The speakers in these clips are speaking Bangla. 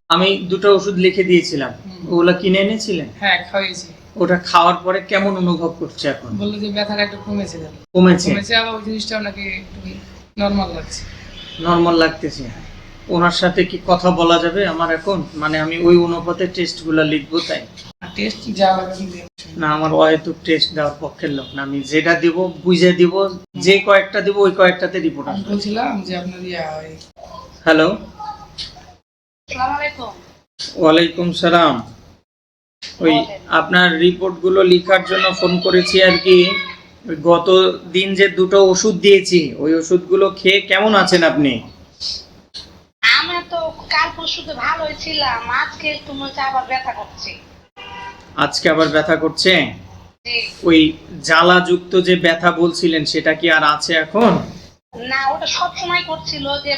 আমি দুটো ওষুধ লিখে দিয়েছিলাম, ওগুলা কিনে এনেছিলেন? হ্যাঁ, খাইয়েছি। ওটা খাওয়ার পরে কেমন অনুভব করছে এখন? বললো যে ব্যথাটা একটু কমেছে। কমেছে? আবার ওই জিনিসটা নাকি একটু নরমাল লাগছে। নরমাল লাগতেছে। ওনার সাথে কি কথা বলা যাবে আমার এখন? মানে আমি ওই অনুপাতে টেস্টগুলো লিখবো তাই? টেস্ট যা লাগবে না, আমার অহেতুক টেস্ট দেওয়ার পক্ষের লোক না। আমি যেটা দিব বুঝে দিব, যে কয়েকটা দিব ওই কয়েকটাতে রিপোর্ট আমি আসবে। বলছিলাম যে আপনার হ্যালো, আসসালামু আলাইকুম। ওয়ালাইকুম সালাম। ওই আপনার রিপোর্টগুলো লেখার জন্য ফোন করেছি আর কি। ওই গত দিন যে দুটো ওষুধ দিয়েছি ওই ওষুধগুলো খেয়ে কেমন আছেন আপনি? আমি তো কাল পরশু তো ভালোই ছিলাম, আজকে একটু মনে হচ্ছে আবার ব্যথা করছে। আজকে আবার ব্যথা করছে? জি। ওই জ্বালাযুক্ত যে ব্যথা বলছিলেন সেটা কি আর আছে এখন? না, ওটা সবসময় করছিল, যে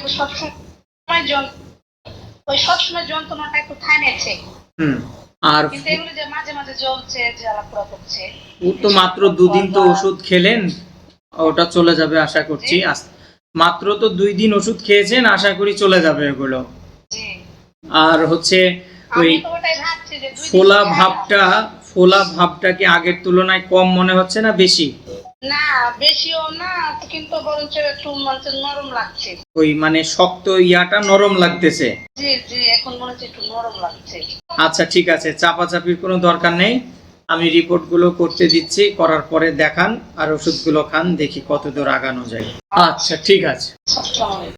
সবসময় যন্ত্রণাটা একটু থামেছে। আর কিন্তু এগুলো যে মাঝে মাঝে জ্বলছে, জ্বালাপোড়া করছে। ও তো মাত্র দুদিন তো ওষুধ খেলেন, ওটা চলে যাবে আশা করছি। মাত্র তো 2 দিন ওষুধ খেয়েছেন, আশা করি চলে যাবে এগুলো। জি। আর হচ্ছে ওই আমি তো ওটাই ভাবছি যে ফোলা ভাবটা কি আগের তুলনায় কম মনে হচ্ছে না বেশি? না, বেশিও না, কিন্তু বরঞ্চ একটু নরম লাগছে। ওই মানে শক্ত ইয়াটা নরম লাগতেছে? জি জি, এখন মনে হচ্ছে একটু নরম লাগছে। আচ্ছা ঠিক আছে, চাপাচাপির কোনো দরকার নেই। আমি রিপোর্টগুলো করতে দিচ্ছি, করার পরে দেখান আর ওষুধগুলো খান, দেখি কতদূর আগানো যায়। আচ্ছা ঠিক আছে। আসসালামু আলাইকুম।